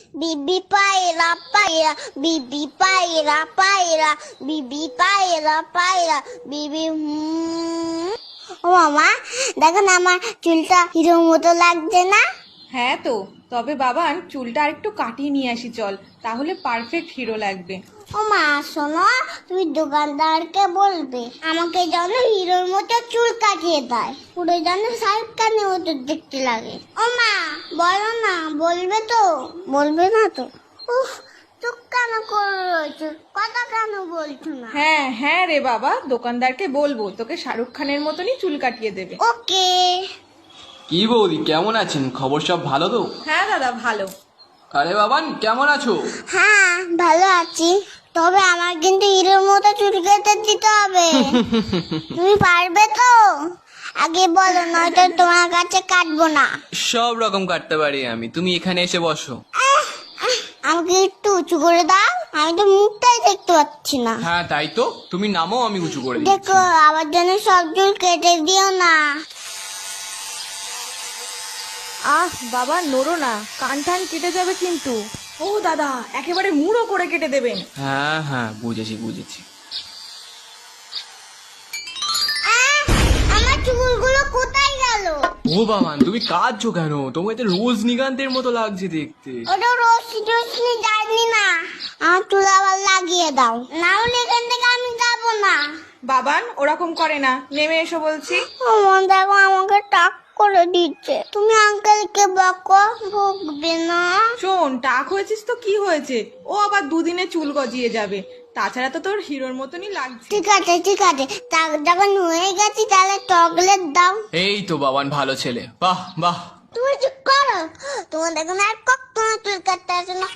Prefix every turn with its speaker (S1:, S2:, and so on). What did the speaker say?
S1: Bibi paira paira, bibi paira paira, bibi paira paira, bibi ও মামা দেখো না আমার চুলটা হিরোর মতো লাগছে না?
S2: হ্যাঁ তো, তবে বাবান চুলটা আরেকটু কাটিয়ে নিয়ে আসি চল, তাহলে পারফেক্ট হিরো লাগবে।
S1: ও মা শোনো, তুমি দোকানদারকে বলবে আমাকে যেন হিরোর মতো চুল কাটিয়ে দেয়, পুরো যেন শাহরুখ খানের মতো দেখতে লাগে। ও মা বলো না, বলবে তো? বলবে না তো? উফ, চুপ কেন করে রয়েছো, কথা কেন বলছো না?
S2: হ্যাঁ হ্যাঁ রে বাবা, দোকানদারকে বলবো তোকে শাহরুখ খানের মতনই চুল কাটিয়ে দেবে।
S1: ওকে।
S3: কি বৌদি, কেমন আছেন? খবর সব ভালো তো?
S2: হ্যাঁ দাদা ভালো।
S3: আরে বাবান, কেমন আছো?
S1: হ্যাঁ ভালো আছি, তবে আমার কিন্তু হিরোর মতো চুল কেটে দিতে হবে। তুমি পারবে তো? আগে বলো, নয়তো তোমার কাছে কাটবো না।
S3: সব রকম কাটতে পারি আমি, তুমি এখানে এসে বসো।
S1: আমাকে একটু উঁচু করে দাও, আমি তো মুখটাই দেখতে পাচ্ছি না।
S3: হ্যাঁ তাই তো, তুমি নামও, আমি উঁচু করে দিচ্ছি।
S1: দেখো আমার জন্য সব চুল কেটে দিও না।
S2: আহ বাবা নড়ো না, কান টান কেটে যাবে কিন্তু। ও দাদা, একেবারে মুড়ো করে কেটে দেবেন।
S3: হ্যাঁ হ্যাঁ, বুঝেছি বুঝেছি।
S1: আহ, আমার চুলগুলো কোথায় গেল?
S3: ও বাবান, তুমি কাঁদছো কেন? তোমাকে তো রজনীকান্তের মতো লাগছে দেখতে।
S1: ওটা রশ্মি যায়নি না, আমার চুল আবার লাগিয়ে দাও, না হলে এখান থেকে আমি যাবো না।
S2: বাবান ওরকম করে না, নেমে এসো বলছি।
S1: আমার দেখো আমাকে টাক করে দিচ্ছে, তুমি আঙ্কেলকে বকো, ভুগবে না।
S2: শোন, টাক হয়েছিস তো কি হয়েছে, ও আবার দুদিনে চুল গজিয়ে যাবে। তাছাড়া তো তোর হিরোর মতনই লাগছে।
S1: ঠিক আছে ঠিক আছে, যখন হয়ে গেছি তাহলে চকলেট দাও।
S3: এই তো বাবান, ভালো ছেলে, বাহ বাহ।
S1: তুমি চুপ করো, তোমার দেখো না আর কখনো চুল কাটতে আসে না,